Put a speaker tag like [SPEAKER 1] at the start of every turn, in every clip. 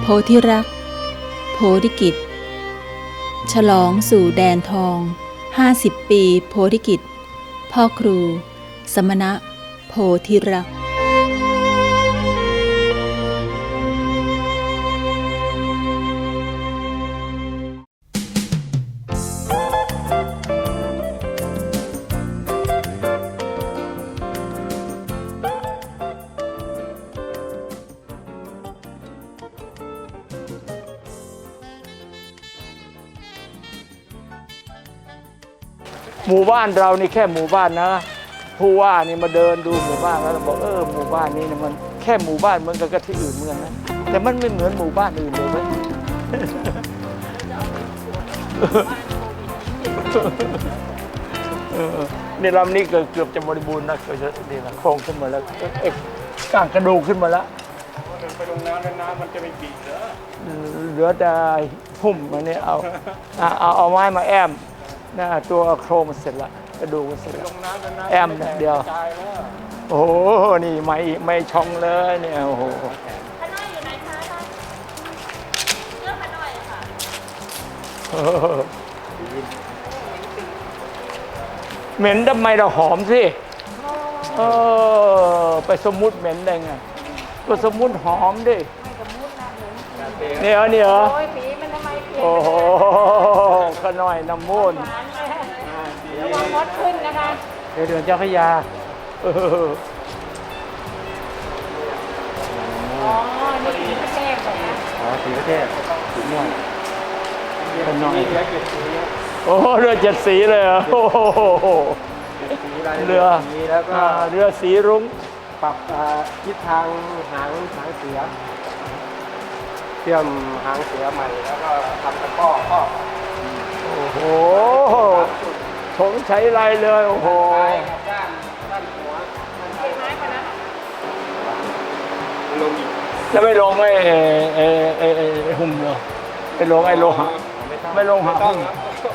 [SPEAKER 1] โพธิรักโพธิกิจฉลองสู่แดนทอง50 ปีโพธิกิจพ่อครูสมณะโพธิรัก
[SPEAKER 2] หมู่บ้านเรานี่แค่หมู่บ้านนะผู้ว่านี่มาเดินดูหมู่บ้านแล้วบอกหมู่บ้านนี้มันแค่หมู่บ้านเหมือนกับที่อื่นเหมือนกันนะแต่มันไม่เหมือนหมู่บ้านอื่นเลยเว้ยนี่ลำนี้เกือบจะบริบูรณ์นะเกือบจะนี่นะโครงขึ้นมาแล้วก้างกระดูกขึ้นมาแล้ว
[SPEAKER 3] ไปลงน้ำแล้วน้ำมันจะไม่บีบ
[SPEAKER 2] เหลือแต่หุ่มมาเนี่ยเอาไม้มาแอมนะตัวโครงมันเสร็จละกระดูกมันเสร็จละแอมเดียวโอ้โหนี่ไม่ช่องเลยเนี่ยโอ้โหขน้อยอยู่ไหนคะเลือกขน้อยค่ะเหม็นทำไมเราหอมสิไปสมมุติเหม็นได้ไงก็สมมุติหอมดิเนี่ยเหรอโอ้โหขน้อยน้ำมูล
[SPEAKER 4] ระวังมดขึ้นนะคะ
[SPEAKER 2] เดือนเจ้าพระยา
[SPEAKER 4] อ๋อ นี่สีประเทศเหรอคะ
[SPEAKER 2] อ๋อสีประเทศสีม่วงขน้อยโอ้เรือ7 สีเลยเหรอโอ้โหเรือ
[SPEAKER 3] แล้วก็
[SPEAKER 2] เรือสีรุ้ง
[SPEAKER 3] ปรับทิศทางหางเสือเตรียมหางเสือใหม่แล้วก็ทำตะก้อครอบ
[SPEAKER 2] โอ้โหถงใช้ไรเลยโอ้โห
[SPEAKER 3] ด้านหัว
[SPEAKER 4] ไม้ก่อนนะ
[SPEAKER 3] ลงอีก
[SPEAKER 2] จะไม่ลงหุ่มเหรอไม่ลงโลหะไม่ลงหะหุ่ม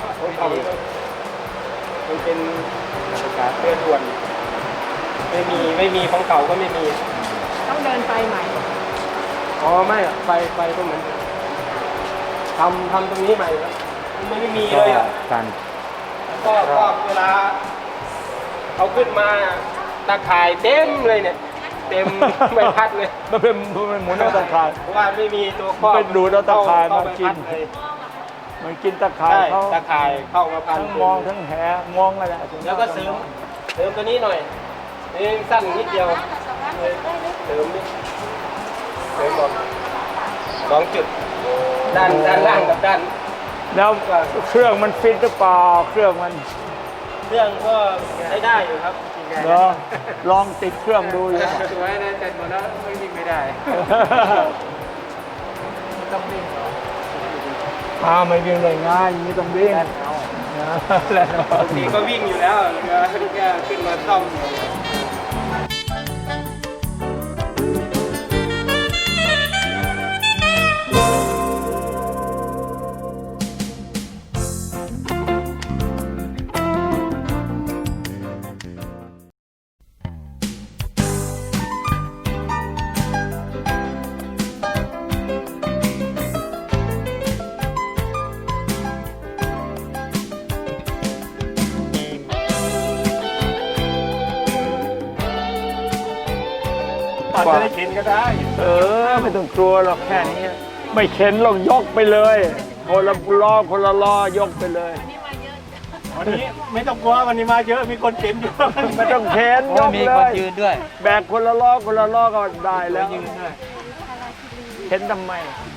[SPEAKER 3] มันเป็นประกาศเรือด่วนไม่มีของเก่าก็ไม่มี
[SPEAKER 4] ต้องเดินไปใหม่
[SPEAKER 3] อ๋อไม่ไปก็เหมือนทำตรงนี้ใหม่แล้วมันไม่มีเลยอ่ะ
[SPEAKER 2] กัน
[SPEAKER 3] ก็เวลาเอาขึ้นมาตาข่ายเต็มเลยเนี่ยเต็มไม่พัดเลย
[SPEAKER 2] มันเป็นหมุนเอาตะข่าย
[SPEAKER 3] เพราะว่าไม่มีตัวครอบ
[SPEAKER 2] เป็นดูดเอาตะข่ายมากินมันกินตะข่าย
[SPEAKER 3] ตะข่ายเข้ามาพัน
[SPEAKER 2] ทั้งมองทั้งแหมองอะไร
[SPEAKER 3] แล้วก็เสริมตัวนี้หน่อยนี่สั้นนิดเดียวเสริมนิดบอก2 จุดด้านล่างกับด้าน
[SPEAKER 2] แล้วเครื่องมันฟิตหรือเปล่าเครื่อง
[SPEAKER 3] ก็ใช้ได้อยู่ครับ
[SPEAKER 2] ลองติดเครื่องดูเลย
[SPEAKER 3] สวยนะแต่หมดแล้วไม่วิ่งไม่ได้ต้องวิ่งเหรอ
[SPEAKER 2] ไม่วิ่งได้ง่ายอย่างนี้ต้องวิ่ง
[SPEAKER 3] แล้วบางทีก็วิ่งอยู่แล้วแค่ขึ้นมาซ่อมจะได้เข็นก็ได้
[SPEAKER 2] ไม่ต้องกลัวหรอกแค่นี้ไม่เข็นหรอกยกไปเลยคนละล้อยกไปเลย
[SPEAKER 3] วันนี้ไม่ต้องกลัววันนี้มาเยอะมีคนเข็นอยู่
[SPEAKER 2] ไม่ต้องเข็นยกเลยมีคนยืนด้วยแบกคนละล้อก็ได้แล้ว
[SPEAKER 3] ยืนด้วย
[SPEAKER 2] เข็นทำไม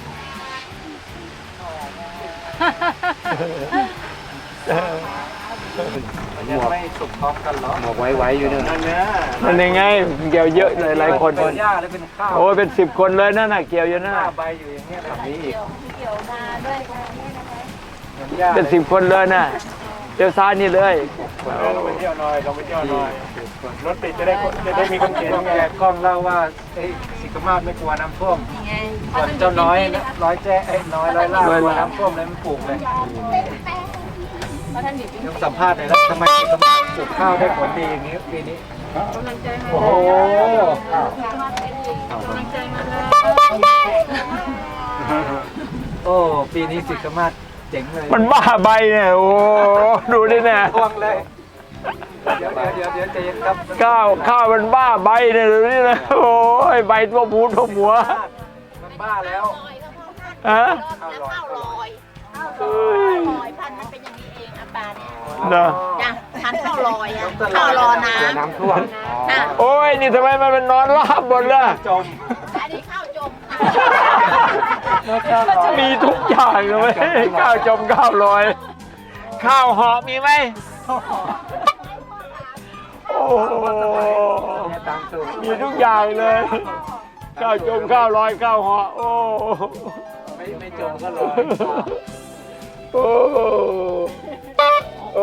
[SPEAKER 3] ยังไม่สุกพร้อมกันหรอ
[SPEAKER 2] หมกไว้อยู่เนี่ยนั่นยังไงเกี่ยวเยอะหลายคน
[SPEAKER 3] เป็นหญ้าหรือเป็นข้าว
[SPEAKER 2] โอ้เป็น10 คนเลยนั่นน่ะเกี่ยวอยู่นั่น
[SPEAKER 3] ใบอยู่อย่างเงี้ยแบบนี้อีก
[SPEAKER 4] เกี่ยวมาด้วยนะคะ
[SPEAKER 2] เป็น10 คนเลยน่ะเดี๋ยวซ้ายนี่เลย
[SPEAKER 3] เราไปเที่ยวหน่อยรถติดจะได้มีคนเขียนไงกล้องเล่าว่าสิกมาศไม่กลัวน้ำท่วมส่วนเจ้าน้อยร้อยล่ากลัวน้ำท่วมเลยมันปลูกเลยยังสัมภาษณ์หน่อยนะทำไมสิกมาศปลูกข้าวได้ผลดีอย่างนี้ปีนี้
[SPEAKER 4] กำลังใจมา
[SPEAKER 3] โอ้โห
[SPEAKER 4] กำลังใจมาเลย
[SPEAKER 3] โอ้ปีนี้สิกมาศเจ๋งเลย
[SPEAKER 2] มันบ้าใบเนี่ยโอ้ดูดิเนี่ย
[SPEAKER 3] ทวงเลยเดี๋ยวใจเย็นครับ
[SPEAKER 2] ข้าวมันบ้าใบเนี่ยดูนี่นะโอ้ยใบตัวพูดตัวหัว
[SPEAKER 3] มันบ้าแล้ว
[SPEAKER 2] ฮะ
[SPEAKER 4] แล้วข้าวลอยข้าวลอยพันธุ์มันเป็นอย่างนี้เองอาปาเนี่ย
[SPEAKER 2] เนาะ
[SPEAKER 4] จ้ะพันธุ์ข้าวลอยอะข้าวรอน้ำ
[SPEAKER 3] น้ำท่วม
[SPEAKER 4] ค่ะ
[SPEAKER 2] โอ้ยนี่ทำไมมันเป็นนอนราบหมดล่ะ
[SPEAKER 3] จม
[SPEAKER 4] อันนี้ข้าวจมค่ะ
[SPEAKER 2] มีทุกอย่างเลยข้าวจมข้าวลอย ข้าวหอมมีไหมโอ้โห
[SPEAKER 3] เนี่ยตามสูตร
[SPEAKER 2] มีทุกอย่างเลยข้าวจมข้าวลอยข้าวหอโอ้
[SPEAKER 3] ไม่จมก็ลอย
[SPEAKER 2] โอ้โอ้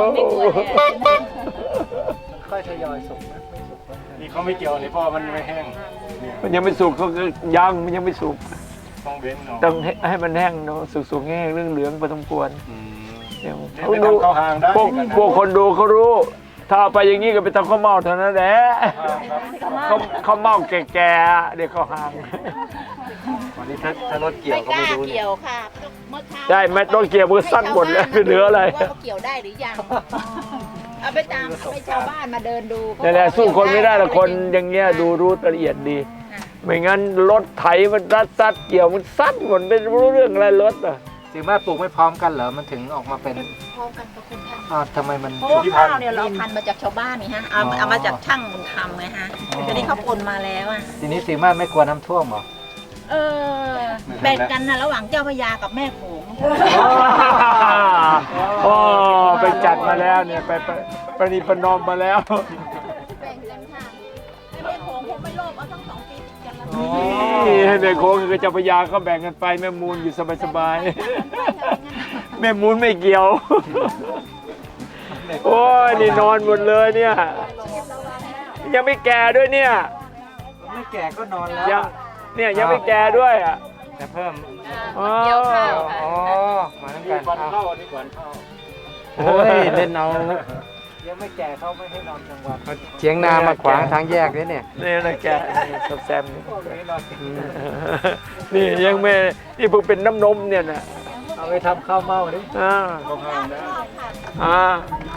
[SPEAKER 3] ค่อยทยอยสุกนะไม่สุก
[SPEAKER 5] นี่เขาไม่เกี่ยวนี่เพราะมันไม่แห้งเนี่ย
[SPEAKER 2] มันยังไม่สุกเขาก็ยังมันยังไม่สุก
[SPEAKER 5] ต้องเว้นเนาะ
[SPEAKER 2] ต้องให้มันแห้งเนาะสุกๆแห้งเหลืองๆพอสมควร
[SPEAKER 5] อืม
[SPEAKER 2] เดี๋ยว
[SPEAKER 5] นี่
[SPEAKER 2] เขา
[SPEAKER 5] ไป
[SPEAKER 2] ดู
[SPEAKER 5] ทำข้าวหางได้
[SPEAKER 2] พวกคนดูเขารู้ ถ้าเอาไปอย่างนี้ก็ไปทำข้าวเม่าเท่านั้นแหละข้าวเม่าแก่ๆเดี๋ยวเขาวหาง
[SPEAKER 3] วันนี้ถ้ารถเกี่ยว
[SPEAKER 4] ไม่
[SPEAKER 3] ก็
[SPEAKER 4] กล้า
[SPEAKER 3] ไม่รู้เนี่ย
[SPEAKER 4] เกี่ยวค่ะเมื่อเช้า
[SPEAKER 2] ได้ไหมต้องเกี่ยวมันสั้นหมดแล้วเหลืออะไร
[SPEAKER 4] ว่าเขาเกี่ยวได้หรือยังเอาไปตามให้ชาวบ้านมาเดินดู
[SPEAKER 2] นี่นแหละสู้คนไม่ได้ละคนอย่างเงี้ยดูรู้ละเอียดดี ไม่งั้นรถไถมันซัดเกี่ยวมันซัดหมดไม่รู้เรื่องอะไรรถอ่ะ
[SPEAKER 3] สิมาปลูกไม่พร้อมกันเหรอมันถึงออกมาเป็น
[SPEAKER 4] พร้อมกันกับคุณท่าน
[SPEAKER 3] อ้าวทำไมมัน
[SPEAKER 4] เพราะว่าข้าวเนี่ยเราเอาพันธุ์มาจากชาวบ้านนี่ฮะเอามาจากช่างบุญธรรมไงฮะทีนี้เขาปนมาแล้วอ่ะ
[SPEAKER 3] ทีนี้สิมาไม่กลัวน้ำท่วมเหรอ
[SPEAKER 4] เออแบ่งกันนะระหว่างเจ้าพระยากับแม่โขง
[SPEAKER 2] โอ้ไปจัดมาแล้วเนี่ยไปประนีประนอมมาแล้ว
[SPEAKER 4] แบ่งกันค่ะแม่โขงคงไม่โลภเอาทั้งสองปีติดกันแล้ว
[SPEAKER 2] นี่ให้แม่โค้งกับเจ้าพระยาก็แบ่งกันไปแม่มูลอยู่สบายๆแม่มูลไม่เกี่ยว โอ้ยนี่นอนหมดเลยเนี่ย ยังไม่แก่ด้วยเนี่ย
[SPEAKER 3] ไม่แก่ก็นอนแล้ว
[SPEAKER 2] ยังเนี่ยยังไม่แก่ด้วยอ่ะ
[SPEAKER 3] แต่เพิ่ม
[SPEAKER 2] อ๋อ
[SPEAKER 3] อ๋อมาทั้งกัน
[SPEAKER 5] ก่อน
[SPEAKER 3] เอา
[SPEAKER 5] เข้านี่ก่อนเข้า
[SPEAKER 3] โอ้ยเล่นเอายังไม่แก่เขาไม่ให้นอนกลางวันเชียงนามาขวางทางแยกด้วยเนี่ย
[SPEAKER 2] นี่นะแกแซมนี่นี่ยังไม่นี่เพิ่งเป็นน้ำนมเนี่ยนะ
[SPEAKER 3] เอาไปทำข้าวเม่าดิ
[SPEAKER 2] อ่า
[SPEAKER 5] เข้าห้างได้
[SPEAKER 2] อ่า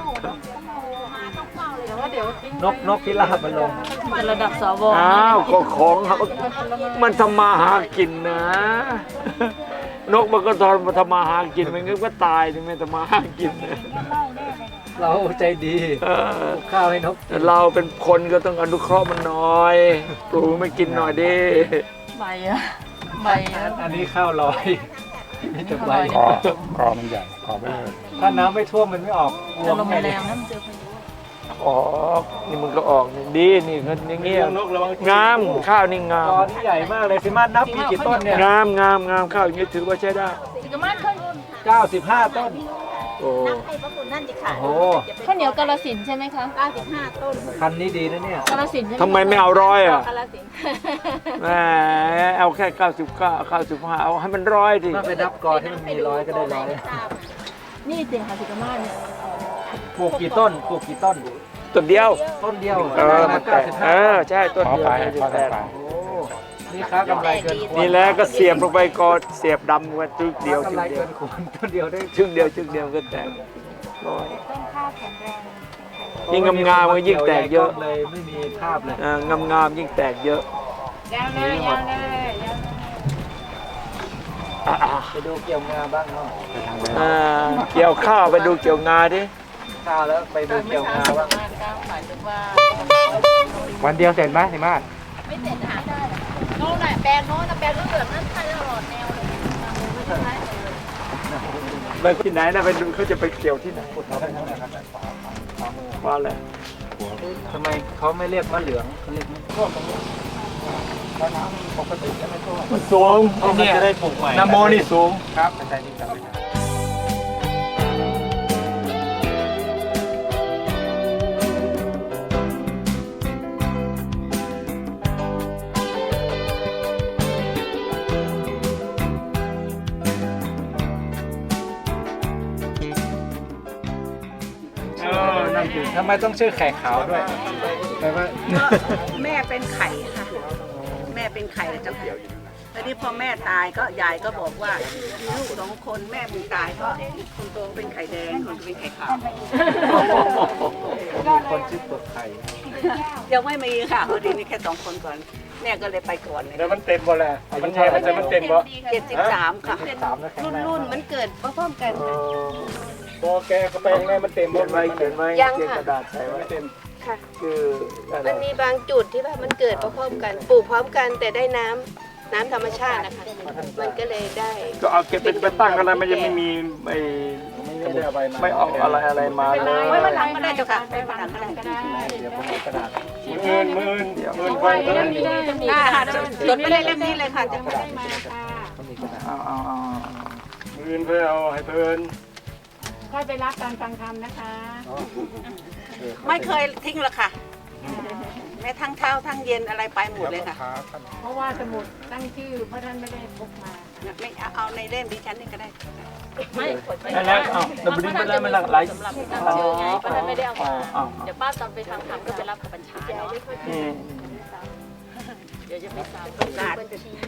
[SPEAKER 3] นกพิราบมันลง
[SPEAKER 1] จะระดับสว
[SPEAKER 2] อ้าวก็ของมันทำมาหากินนะ นกมันก็ทำมาหากินมันก็ตายถึงไม่ทำมาหากินนะ
[SPEAKER 3] เราใจดี
[SPEAKER 2] เออ
[SPEAKER 3] ข้าวให้นก
[SPEAKER 2] แต่เราเป็นคนก็ต้องอนุเคราะห์มันหน่อยปลูกไม่กินหน่อยดิ
[SPEAKER 1] ใบอะใบอะ
[SPEAKER 3] อันนี้ข้าวลอยนี่จะใบ
[SPEAKER 5] คอมันใหญ่คอไม่เลย
[SPEAKER 3] ถ้าน้ำไม่ท่วมมันไม่ออก
[SPEAKER 1] จะลมแรงนะมันเจอพายุ
[SPEAKER 2] ออกนี่มันก็ออกนี่ดีนี่ก็อย่างเงี้ย
[SPEAKER 5] นกระวัง
[SPEAKER 2] งามข้าวนี่งาม
[SPEAKER 3] ตอนนี้ใหญ่มากเลยสิมานับมีกี่ต้นเนี่ย
[SPEAKER 2] งามข้าวอย่างนี้ถือว่าใช้ได้
[SPEAKER 1] สิกามาศเคย
[SPEAKER 3] 95 ต้น
[SPEAKER 2] โอ้
[SPEAKER 4] นับให้พระคุณนั่นจะขาด
[SPEAKER 3] โอ้โห
[SPEAKER 1] ข้าวเหนียวกาลสินธุ์ใช่ไหมคะ
[SPEAKER 4] 95 ต้น
[SPEAKER 3] พันธุ์นี้ดีนะเนี่ย
[SPEAKER 1] กาลสินธุ์ใช่ไหม
[SPEAKER 2] ทำไมไม่เอาร้อยอ่ะ
[SPEAKER 4] กาลสินธุ์
[SPEAKER 2] แหมเอาแค่99 95เอาให้มันร้อยดิ
[SPEAKER 3] ถ้าไปนับกอที่มันมีร้อยก็ได้ร้อย
[SPEAKER 1] นี่จริงค่ะสิกามาศเนี่ย
[SPEAKER 3] ปลูกกี่ต้นปลูกกี่ต้น
[SPEAKER 2] ต้นเดียว
[SPEAKER 3] ต้นเดียว
[SPEAKER 2] มันแตกใช่ต้น
[SPEAKER 5] ขอ
[SPEAKER 2] เดียว
[SPEAKER 5] ไป
[SPEAKER 2] จะ
[SPEAKER 5] ขอ
[SPEAKER 2] แตก
[SPEAKER 5] ไป
[SPEAKER 3] โอ้นี่ค้ากำไรเกินควร
[SPEAKER 2] นี่แหละก็เสียบลงไปก่อนเสียบดำกันชึกเดียว
[SPEAKER 3] ค้ากำไรเกินควรต้นเดียวได้
[SPEAKER 2] ชึกเดียวก็แตกร้อยยิ่งงามๆก็ยิ่งแตกเยอะ
[SPEAKER 3] เลยไม่มีภาพเลย
[SPEAKER 2] งามยิ่งแตกเยอะ
[SPEAKER 4] ยังเลยยังเลยยัง
[SPEAKER 3] ไปดูเกี่ยวงาบ้างเนาะ
[SPEAKER 2] เกี่ยวข้าวไปดูเกี่ยวงาดิ
[SPEAKER 3] ข้าวแล้วไปดูเกี่ยวงาบ้าง
[SPEAKER 4] หมายถึงว่า
[SPEAKER 3] วันเดียวเสร็จไหมสิมาศ
[SPEAKER 4] ไม่เสร็จหาได้โน่นน่ะแปลงโน้นน่ะแปลงเหลืองๆนั่นใช่ตลอดแนวเลยไม่ใช่
[SPEAKER 2] ไปที่ไหนนะไปดูเขาจะไปเกี่ยวที่ไหนว่าอะไร
[SPEAKER 3] ทำไมเขาไม่เรียกมะเหลืองเขาเรียกมะม่วง
[SPEAKER 2] มันสูง
[SPEAKER 3] มันจะได้ปลูกใหม่
[SPEAKER 2] นาโมนี่สูง
[SPEAKER 3] ครับแต่นี่จำไม่ได้
[SPEAKER 2] นั่นสิ
[SPEAKER 3] ทำไมต้องชื่อไข่ขาวด้วยแปลว่า
[SPEAKER 6] แม่เป็นไข่ค่ะ แม่เป็นไข่เจ้าค่ะ
[SPEAKER 4] ตอนนี้พอแม่ตายก็ยายก็บอกว่ามีลูก2 คนแม่มึงตายก็คนโตเป็นไข่แดงคนโตเป็นไข่ขาว
[SPEAKER 3] มีคนชื่อเปลือกไข่
[SPEAKER 4] ยังไม่มีค่ะพอดีมีแค่2 คนก่อนแม่ก็เลยไปก่อนเลย
[SPEAKER 3] แล้วมันเต็มบ่แหละมันใช่มันเต็มบ่
[SPEAKER 4] 73ค่ะ
[SPEAKER 3] 3แล้วแข็งแรง
[SPEAKER 6] รุ่นมันเกิดพร้อมๆกัน
[SPEAKER 3] พอแกก็ไปข้างในมันเต็มบ่
[SPEAKER 2] เขียนไว้
[SPEAKER 6] ยัง
[SPEAKER 2] เขียน
[SPEAKER 6] ค่ะ
[SPEAKER 2] กระดาษใส่ไว้
[SPEAKER 3] เต็ม
[SPEAKER 6] ค่ะ
[SPEAKER 2] คืออะไร
[SPEAKER 6] มันมีบางจุดที่ว่ามันเกิดพร้อมๆกันปลูกพร้อมกันแต่ได้น้ำธรรมชาตินะคะ มันก็เลยได้
[SPEAKER 5] ก็เอาเก็บเป็นตั้งกันแล้วมันยังไม่มีไอ้
[SPEAKER 3] ไม่ได้เอาใบมา
[SPEAKER 2] ไม่เอาอะไรมาเลย
[SPEAKER 4] ไว้วันหลังก็ได้เจ้าค่ะไว้วันหลังก็ได้
[SPEAKER 3] เดี๋ยวผมเอากระดาษ
[SPEAKER 5] มืน
[SPEAKER 3] ไฟเพิ่ม
[SPEAKER 4] ได้ค่ะจดไม่ได้เล่มนี้เลยค่ะจะ
[SPEAKER 3] กระดาษไม่ใช่กระดาษเขามีกระดาษ
[SPEAKER 2] เอา
[SPEAKER 5] มืนเพื่อเอาให้เพลิน
[SPEAKER 7] ค่อยไปรับการฟังธรรมนะคะ
[SPEAKER 4] ไม่เคยทิ้งหรอกค่ะแม้ทั้งเช้าทั้งเย็นอะไรไปหมดเลยค่ะ
[SPEAKER 7] เพราะว่าสมุดตั้งชื่อเพราะท่านไม่ได้พกมา
[SPEAKER 4] ไม่เอาในเล่มดิฉันนี่ก็ได้
[SPEAKER 2] นั่นแหละเอาดับเบิลไปแล้วมันหลากหลาย
[SPEAKER 8] สำหรับนำชื่อไงเพราะท่านไม่ได้เอามา
[SPEAKER 2] เอา
[SPEAKER 8] เดี๋ยวป้าตอนไปทำธรรมก็ไปรับกับบัญชาเนาะ
[SPEAKER 2] อืม
[SPEAKER 8] เดี๋ยวจะไปสาว
[SPEAKER 4] โอกาส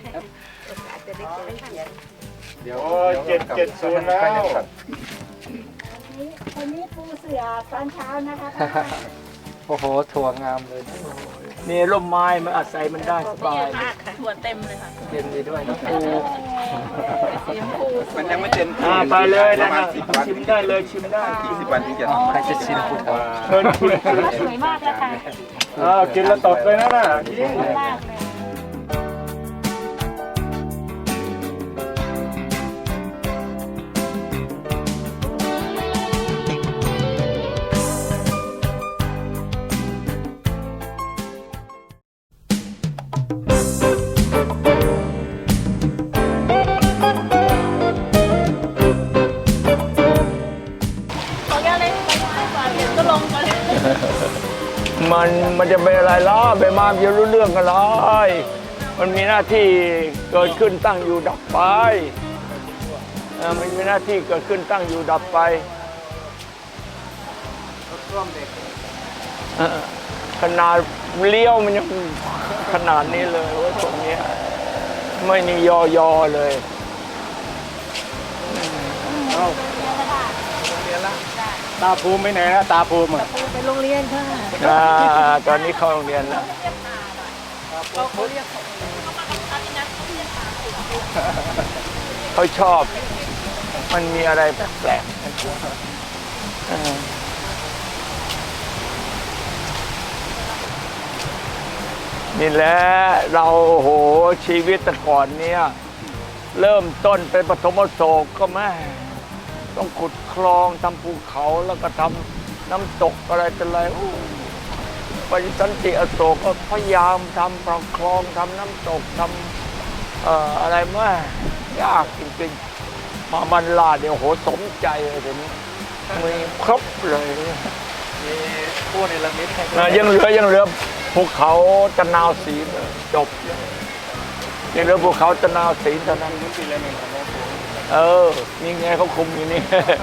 [SPEAKER 3] เดี๋ยว
[SPEAKER 5] โอ้770แล้ว
[SPEAKER 7] วันนี้ปูเสือตอนเช้านะคะ
[SPEAKER 3] โอ้โหถั่วงามเลย
[SPEAKER 2] นี่ร่มไม้มันอาศัยมันได้สบาย
[SPEAKER 8] ถั่วเต็มเลยค่ะ
[SPEAKER 2] เย็นดีด้วยนะปู
[SPEAKER 8] สีชมพู
[SPEAKER 5] มันยังไม่เต็ม
[SPEAKER 2] ไปเลยนะชิมได้เลยชิมได้
[SPEAKER 5] 10 วันที่จะ
[SPEAKER 3] ใครจะชิมกูถาม
[SPEAKER 2] เชิญชิม
[SPEAKER 7] สวยมากเลยค่ะ
[SPEAKER 5] กินแล้วตดเลยนะน่ะ
[SPEAKER 7] มากเลย
[SPEAKER 2] มันจะเป็นอะไรล่ะไปมาจะรู้เรื่องกันเลยมันมีหน้าที่เกิดขึ้นตั้งอยู่ดับไปมันมีหน้าที่เกิดขึ้นตั้งอยู่ดับไปขนาดเลี้ยวมันยังขนาดนี้เลยว่าตรงนี้ไม่มียอเลย
[SPEAKER 3] ตาภูมิไปไหนนะตาภูมิอ่ะ
[SPEAKER 7] ไปโรงเรียนค่ะ
[SPEAKER 2] ตอนนี้เข้าโรงเรียนแล้วเขาชอบมันมีอะไรแปลกๆนี่แหละเราโหชีวิตแต่ก่อนเนี่ยเริ่มต้นเป็นปฐมโศกก็แม่ต้องขุดคลองทำภูเขาแล้วก็ทำน้ำตกอะไรต่ออะไรปฏิสันติอโศกก็พยายามทำคลองทำน้ำตกทำอะไรแม่ยากจริงๆมาบรรลาดเดี๋ยวโหสมใจเลยเดี๋ยวนี้มีครบเลย
[SPEAKER 3] มีผู้ในละมิตให้
[SPEAKER 2] ยังเหลือภูเขาตะนาวศรีจบยังเหลือภูเขาตะนาวศรีเท่านั้น นี่ไงเขาคุมอยู่นี่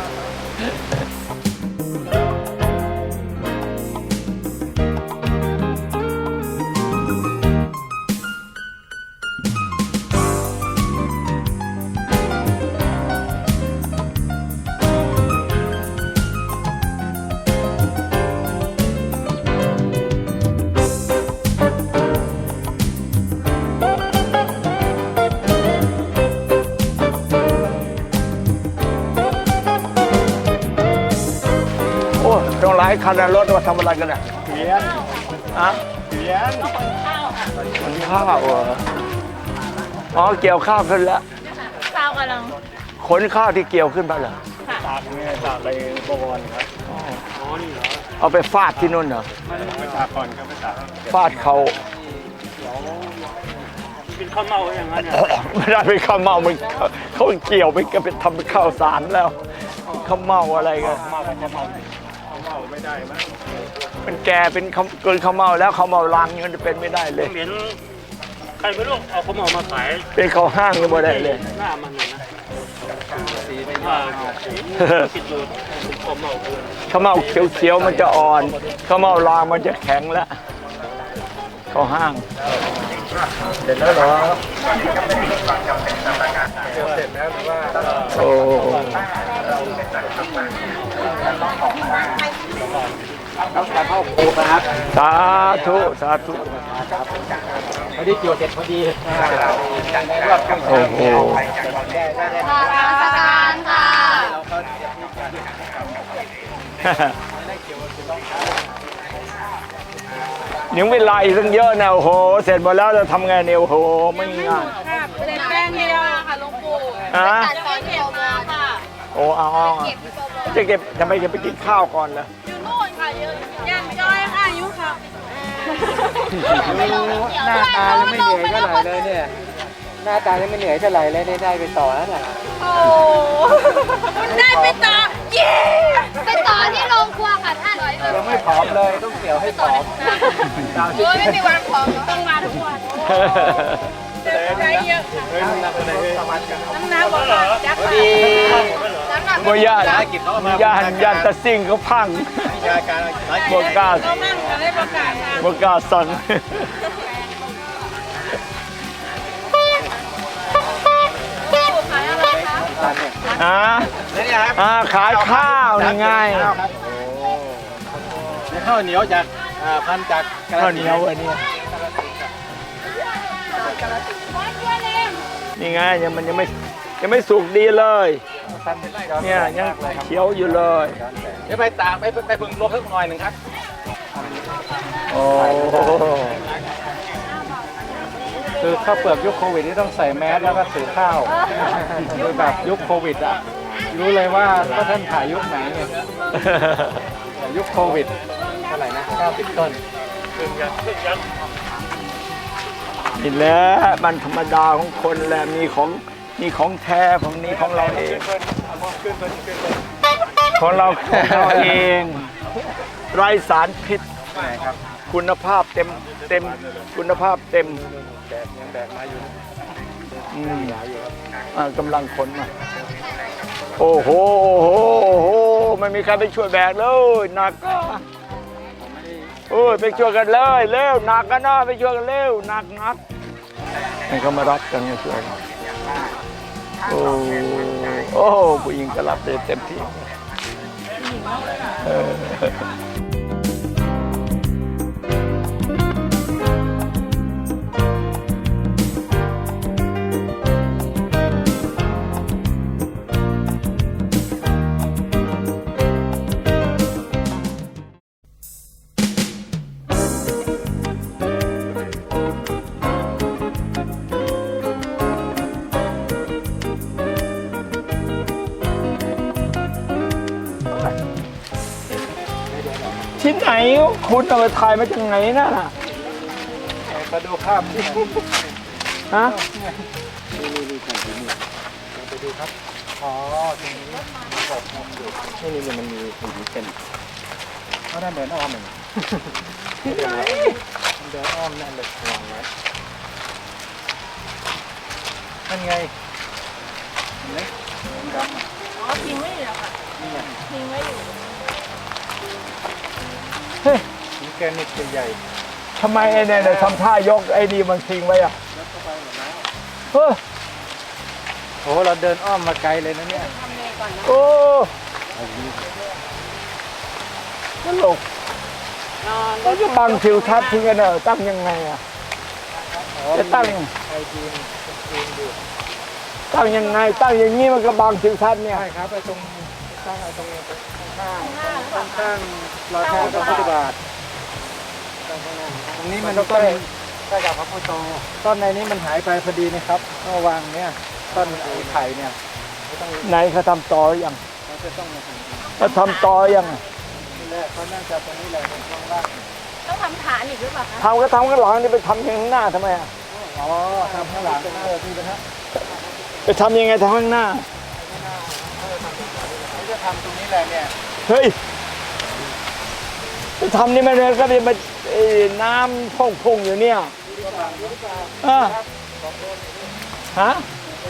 [SPEAKER 2] โอ้ต้องหลายคันนะรถมาทำอะไรกันเนี่ยเขียนอะเขียนขนข้าวเหรออ๋อเกี่ยวข้าวขึ้นแล้ว
[SPEAKER 8] ข้าวกำลัง
[SPEAKER 2] ขนข้าวที่เกี่ยวขึ้นมาเหรอ
[SPEAKER 5] ตากเนี่ยตากไปบวรครับ
[SPEAKER 2] เอาไปฟาดที่นู่นเหรอ
[SPEAKER 5] ไปตากก่อนก็ไปตาก
[SPEAKER 2] ฟาดเขา
[SPEAKER 5] กินข้าวเมาอย่างนั้นเนี่ย
[SPEAKER 2] ไม่ได้ไปข้าวเมามันเขาเกี่ยวไปก็ไปทำเป็นข้าวสารแล้วข้าวเมาอะไรกัน
[SPEAKER 5] เมาข้าวเมาไม่ได้มั้ง
[SPEAKER 2] มันแก่เป็นเกินข้าวเมาแล้วข้าวเมาลังมันจะเป็นไม่ได้เลย
[SPEAKER 5] เหม็นใครไม่รู้เอาข้าวเมามาขาย
[SPEAKER 2] เป็นข้าวห้างก็ไม่ได้เลย
[SPEAKER 5] หน้ามันนะ
[SPEAKER 3] สีไป
[SPEAKER 5] คิดดูข้าวเมาคือ
[SPEAKER 2] ข้าวเมาเขียวๆมันจะอ่อนข้าวเมาลางมันจะแข็งแล้วข้าวห้าง
[SPEAKER 3] เสร็จแล้วเหรอเดี๋ยวเสร็จแล้วหรือว่า
[SPEAKER 2] โอ้สาธุสาธุ
[SPEAKER 3] พอดีเกี่ยวเสร็จพอดี
[SPEAKER 2] โอ้โหยังเวลาอีกตั้งเยอะนะโอ้โหเสร็จหมดแล้วจะทำไงเนี่ยโอ้โหไม่ง่าย
[SPEAKER 8] เสร็จแป้งเดียวค่ะหลวงปู่
[SPEAKER 2] ฮะ
[SPEAKER 8] ตัดตอนเก็บมาค่ะ
[SPEAKER 2] โอ้เอาจะเก็บทำไมจะไปกินข้าวก่อนล่ะ
[SPEAKER 8] อยู่นู่นค่ะเยอะย่างจ้อยค่ะอายุค่ะ
[SPEAKER 3] หน้าตายังไม่เหนื่อยเท่าไหร่เลยเนี่ยหน้าตายังไม่เหนื่อยเท่าไหร่เลยได้ไปต่อแล้วน่ะ
[SPEAKER 8] โอ้คุณได้ไปต่อเย้
[SPEAKER 6] ไปต่อที่โรงครัวค่ะท่าน
[SPEAKER 3] ยังไม่ผอมเลยต้องเกี่ยวให้ผอม
[SPEAKER 8] โอ้ยไม่มีวันพอต้องมาทุกวันใช้เยอะค่ะน้ำหนักบอกว่าจักรน้ำหนัก
[SPEAKER 2] เมื่อย่านตะซิ่งเขาพังบวกก้า
[SPEAKER 8] ก็มั่งก็ได้ประกาศมา
[SPEAKER 2] บวกก้าสั่งขายข้าวนี่ไง
[SPEAKER 3] ข้าวเหนียวจากพันจาก
[SPEAKER 2] ข้าวเหนียวอันนี้นี่ไงมันยังไม่สุกดีเลยเนี่ยยังเขียวอยู่เลย
[SPEAKER 3] เดี๋ยวไปตากไปพึ่งลวกสักหน่อยหนึ่งครับ
[SPEAKER 2] โอ้
[SPEAKER 3] คือข้าวเปลือกยุคโควิดนี่ต้องใส่แมสแล้วก็ถือข้าวคือแบบยุคโควิดอ่ะรู้เลยว่าท่านถ่ายยุคไหนเนี่ยยุคโควิดเท่าไหร่นะ90 ต้น
[SPEAKER 2] นี่แหละมันธรรมดาของคนแหละมีของแท้ของนี้ของเราเองของเราเองไร้สารพิษคุณภาพเต็มคุณภาพเต็ม
[SPEAKER 3] ยังแบกมาอยู่
[SPEAKER 2] กำลังขนมาโอ้โหไม่มีใครไปช่วยแบกเลยหนักไปช่วยกันเลยเร็วหนักกันนะไปช่วยกันเร็วหนักให้เขามารับกันช่วยกันโอ้ผู้หญิงก็รับเต็มที่ที่ไหนคุณเอาไปถ่ายมาจากไหนน่ะ
[SPEAKER 3] มาดูภาพที่
[SPEAKER 2] ฮะ
[SPEAKER 3] ไปดูครับอ๋อตรงนี้นี่มันมีสีเป็นเขาได้เดินอ้อมหนึ่งที่ไหนเดินอ้อมนั่นเลยวางไว้นั่นไงเห็นไหมดำ
[SPEAKER 8] อ๋อทิ้งไว้อยู่แล้วค่ะทิ้งไว้อยู่
[SPEAKER 2] เฮ้ย
[SPEAKER 3] หินแกรนิตใหญ่
[SPEAKER 2] ทำไมไอ้เนี่ยทำท่ายกไอ้นี่มันทิ้งไว้อะเฮ้ย
[SPEAKER 3] โอ้เราเดินอ้อมมาไกลเลยนะเนี่ย
[SPEAKER 2] โอ้ตลกแล้วจะบังทิวทัศน์ทิ้งกันเหรอตั้งยังไงอะจะตั้งตั้งยังไงตั้งอย่างนี้มันก็บังทิวทัศน์เนี่ย
[SPEAKER 3] ใช่ครับไปตรงตั้งไอ้ตรงข้างรอยแทงพระพุทธบาทตรงนี้มันต้นใกล้กับพระพุทธโตต้นในนี้มันหายไปพอดีนะครับก็วางเนี่ยต้นไผ่เนี่ย
[SPEAKER 2] ไหนเขาทำต่อหรือยัง
[SPEAKER 3] เราจะต้องมา
[SPEAKER 2] เขาทำต่อหรือยัง
[SPEAKER 3] นี่แหละเขาน่าจะตรงนี้แหละตรงข้างล่าง
[SPEAKER 8] ต้องทำฐานอีกหรือเปล่าคะ
[SPEAKER 2] ทำก็ทำข้างหลังนี่ไปทำข้างหน้าทำไมอะ
[SPEAKER 3] อ๋อทำข้างหลังนี่นะฮะ
[SPEAKER 2] ไปทำยังไงทำข้างหน้า
[SPEAKER 3] เขาจะทำตรงนี้แหละเนี่ย
[SPEAKER 2] เฮ้ยไปทำนี่มันก็เป็นน้ำพุ่งอยู่เนี่ยฮะ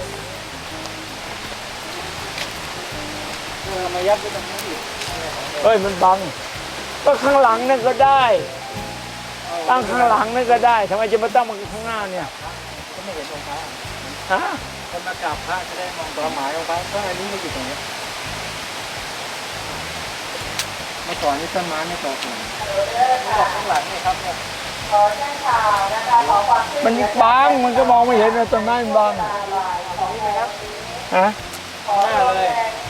[SPEAKER 3] มายัดไว้ตรงนี้อีก
[SPEAKER 2] เฮ้ยมันบังก็ข้างหลังนั่นก็ได้
[SPEAKER 3] เอา
[SPEAKER 2] ตั้งข้างหลังนั่นก็ได้ทำไมจะมาตั้งข้างหน้าเนี่ย
[SPEAKER 3] ก็ไม่เห็นองค์พระ
[SPEAKER 2] ฮะ
[SPEAKER 3] คนมากราบพระจะได้มองความหมายองค์พระเพราะอันนี้ไม่อยู่ตรงนี้เมื่อก่อนนี่ต้นไม้ไม่โตขนาดนี้บอกข้างหลังนี่ครับเนี่ย
[SPEAKER 2] มันบังมันก็มองไม่เห็นนะต้นไม้มันบังฮะ
[SPEAKER 3] หน้าเลย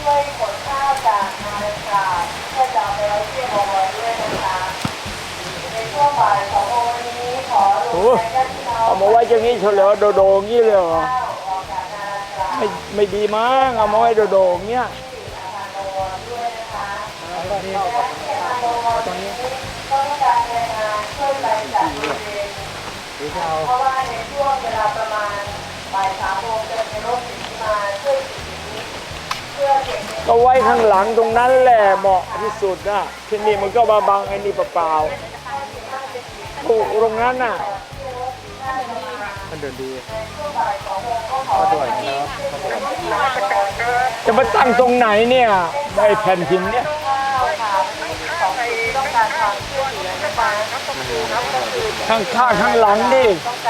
[SPEAKER 2] โอ้เอามาไว้อย่างนี้เฉลียวโดๆอย่างนี้เลยเหรอไม่ดีมั้งเอามาไว้โดๆอย่างเงี้ย
[SPEAKER 3] นี่ตรงนี้หรือจะเอา
[SPEAKER 2] ก็ไว้ข้างหลังตรงนั้นแหละเหมาะที่สุดนะที่นี่มันก็มาบังไอ้นี่เปล่าๆปลูกตรงนั้นน่ะ
[SPEAKER 3] มันเดินดีก็ด้วยนะ
[SPEAKER 2] จะมาตั้งตรงไหนเนี่ยไอ้แผ่นหินเนี่ยข้างข้างหลังดิ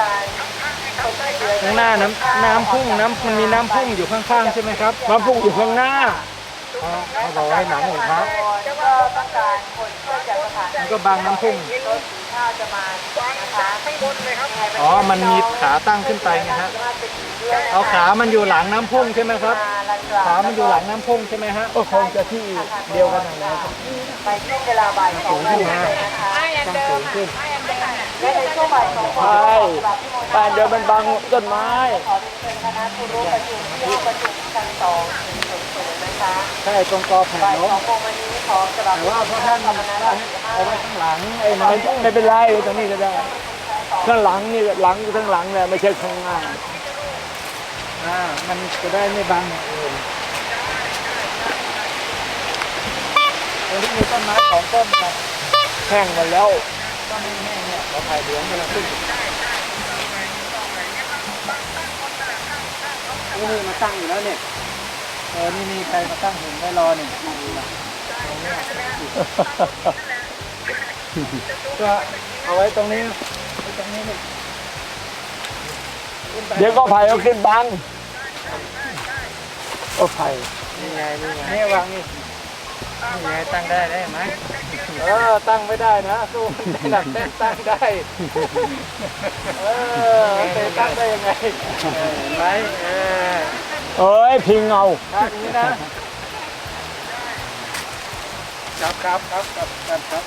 [SPEAKER 3] ข้างหน้าน้ำพุ่งมันมีน้ำพุ่งอยู่ข้างๆใช่ไหมครับ
[SPEAKER 2] มาปลูกอยู่ข้างหน้า
[SPEAKER 3] เขาบอกให้หนังองค์พระมันก็บังน้ำพุ่งอ๋อมันมีขาตั้งขึ้นไปไงฮะเอาขามันอยู่หลังน้ำพุ่งใช่ไหมครับขามันอยู่หลังน้ำพุ่งใช่ไหมฮะ
[SPEAKER 2] ก็คงจะที่เดียวกันนั่นแหละ
[SPEAKER 3] สูงขึ้นมา
[SPEAKER 7] ต้องสูงขึ้น
[SPEAKER 2] ใช่ป่านเดินมันบังต้นไม้
[SPEAKER 3] ใช่ตรงกอแผ่นเนาะแต่ว่าพระท่านเอาไว้ข้างหลังไอ้น้ำพุ่ง
[SPEAKER 2] ไม่เป็นไรตรงนี้ก็ได้ ข้างหลังนี่หลังข้างหลังเนี่ยไม่ใช่ข้างหน้า
[SPEAKER 3] มันจะได้ไม่บังอย่างอื่นตรงที่มีต้นไม้ของต้นนะ
[SPEAKER 2] แห้งหมดแล้ว
[SPEAKER 3] ต้นแห้งๆเนี่ยเราถ่ายเหลืองกำลังขึ้นนี่มาตั้งอยู่แล้วเนี่ยนี่มีใครมาตั้งหุ่นไว้รอเนี่ยก็เอาไว้ตรงนี้ไว้ตรงนี้นี่
[SPEAKER 2] เดี๋ยวก็ไผ่เอาขึ้นบังก็ไผ่
[SPEAKER 3] นี่ไงนี่วางนี่ไงตั้งได้ไหมตั้งไม่ได้นะสู้ได้หนักแน่นตั้งได้แต่ตั้งได้ยังไงเห็นไหม
[SPEAKER 2] เอ้ยพิงเอา
[SPEAKER 3] ท่านี้นะครับ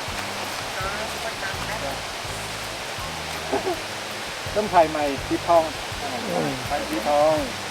[SPEAKER 3] ต้นไผ่ใหม่สีทองไผ่สีทอง